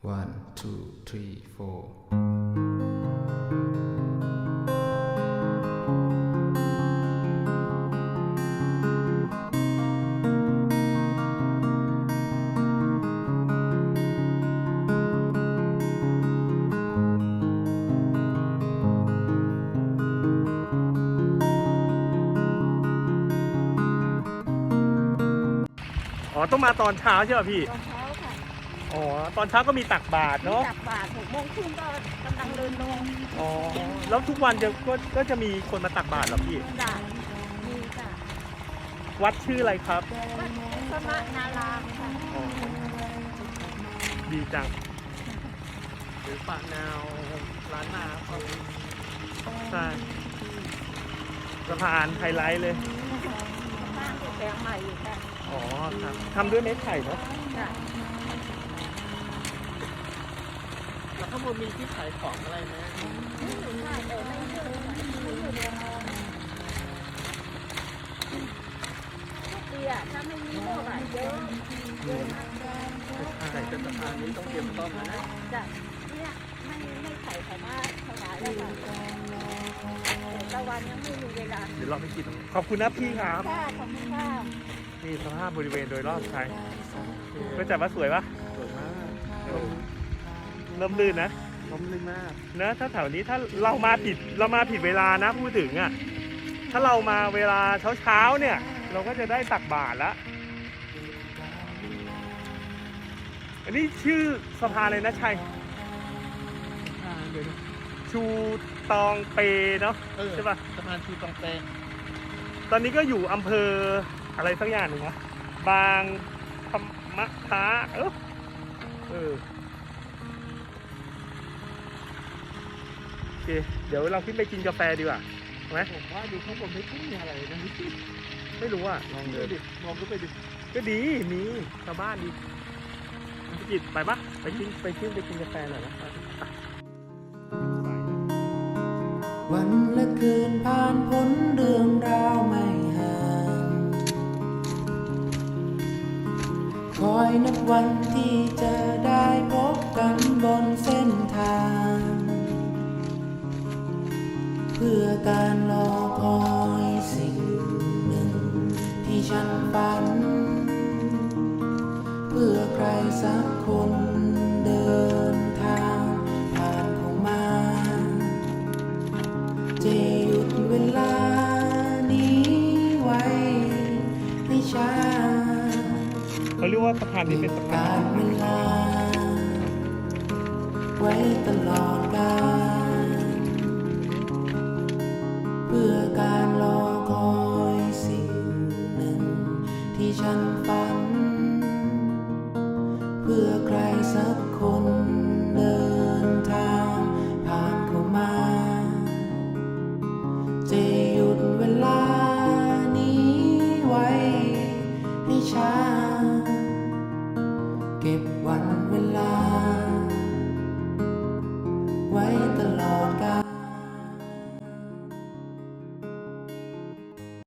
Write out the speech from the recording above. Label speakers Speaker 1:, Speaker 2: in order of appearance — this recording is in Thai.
Speaker 1: 1 2 3 4
Speaker 2: อ๋อต้องมาตอนเช้าใช่ป่ะพี่
Speaker 3: ตอนเช้าค่ะ
Speaker 2: อ๋อตอนเช้าก็มีตักบาตรเนาะ
Speaker 3: ตักบาตร6 โมงครึ่งก็กำลังเดินลง
Speaker 2: อ๋อแล้วทุกวันก็จะมีคนมาตักบาตรเหรอพี่
Speaker 3: ด่านมีค่ะ
Speaker 2: วัดชื่ออะไรครับ
Speaker 3: วัดสมนารามค่ะ
Speaker 2: อ๋อดีจังหรือปากนาวร้านนาเขาใช่สะพานไฮไลท์เลย
Speaker 3: สร้างแปลงใหม่อยู่ค่ะ
Speaker 2: อ๋อครับทำด้วยไม้ไผ่เนาะ
Speaker 3: ค่ะ
Speaker 2: แล้วข้างบนมีที่ขายของอะไรไหม
Speaker 3: ใช่แต่ไม่เยอะไม่เยอะทุกปีอะถ้าไม่มีพวกอะเยอะเยอะมาก
Speaker 2: ใส่เป็นสะพานนี้ต้องเตรียมต้มนะ
Speaker 3: จ้ะเนี่ยไม่ใส่แต่ว่าถวายแล้วค่ะแต่ตะวันยังไม่มีเวลา
Speaker 2: เดี๋ยวเราไปกินขอบคุณนะพี่ครับ
Speaker 3: ค่ะขอบคุณค่ะ
Speaker 2: นี่สภาพบริเวณโดยรอบใช่ก็จัดว่าสวยปะ
Speaker 4: สวยมาก
Speaker 2: เริ่มลื่นนะ
Speaker 4: ล้มลึกมาก
Speaker 2: นะถ้าแถวนี้ถ้าเรามาผิดเวลานะพูดถึงอ่ะถ้าเรามาเวลาเช้าเนี่ยเราก็จะได้ตักบาตรแล้วอันนี้ชื่อสะพานเลยนะชัย
Speaker 4: เดี๋ยวนะ
Speaker 2: ชูตองเปเนาะใช่ปะ
Speaker 4: สะพานชูตองเป
Speaker 2: ตอนนี้ก็อยู่อำเภออะไรสักอย่างหนึ่งวะบางพมะท้าโอเคเดี๋ยวเราขึ้นไปกินกาแฟดีกว่าไหม
Speaker 4: ผมว่าดูข้างบนไม่ค่อยมีอะไรนะ
Speaker 2: ไม่รู้อ่ะ
Speaker 4: ลองเดินดิมองก็ไปดิ
Speaker 2: ก็ดีมีชาวบ้านดีพี่กิตไปปะไปกินกาแฟหน่อยนะ
Speaker 1: วันและคืนผ่านพ้นเรื่องราวไม่ห่างคอยนับวันที่จะได้พบกันบนเส้นทางเพื่อการรอคอยสิ่งหนึ่งที่ฉันฝันเพื่อใครสักคนเดินทางผ่านเข้ามาจะหยุดเวลานี้ไว้ให้ช้า
Speaker 2: เขาเรียกว่าสะพานนี้เป็นสะพาน
Speaker 1: การเวลาไว้ตลอดกาลเพื่อการรอคอยสิ่งหนึ่งที่ฉันฝันเพื่อใครสักคนเดินทางผ่านเข้ามาจะหยุดเวลานี้ไว้ให้ช้าเก็บวันเวลาไว้ตลอดก